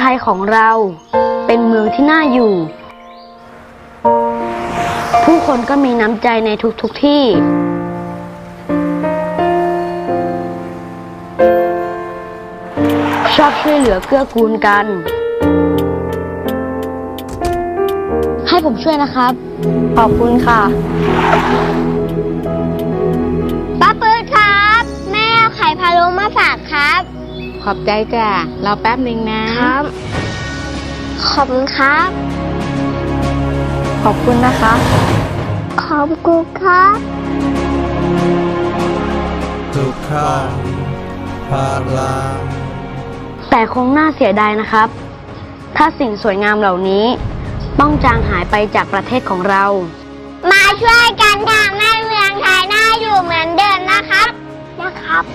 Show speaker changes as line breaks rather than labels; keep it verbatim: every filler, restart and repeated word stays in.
ยของเราเป็นเมืองที่น่าอยู่ผู้คนก็มีน้ำใจในทุกๆที่ชอบช่วยเหลือเกื้อกูลกันให้ผมช่วยนะครับขอบคุณค่ะ
ป้าปื๊ดครับแม่เอาไข่พะโล้มาฝากครับ
ขอบใจจ้ะรอแป๊บหนึ่งนะครับ
ขอบคุณครับ
ขอบคุณนะคะ
ขอบคุณครับ
ทุกครั้งพลัง
แต่คงน่าเสียดายนะครับถ้าสิ่งสวยงามเหล่านี้ต้องจางหายไปจากประเทศของเรา
มาช่วยกันทำให้เมืองไทยน่าอยู่เหมือนเดิมนะครับนะครับ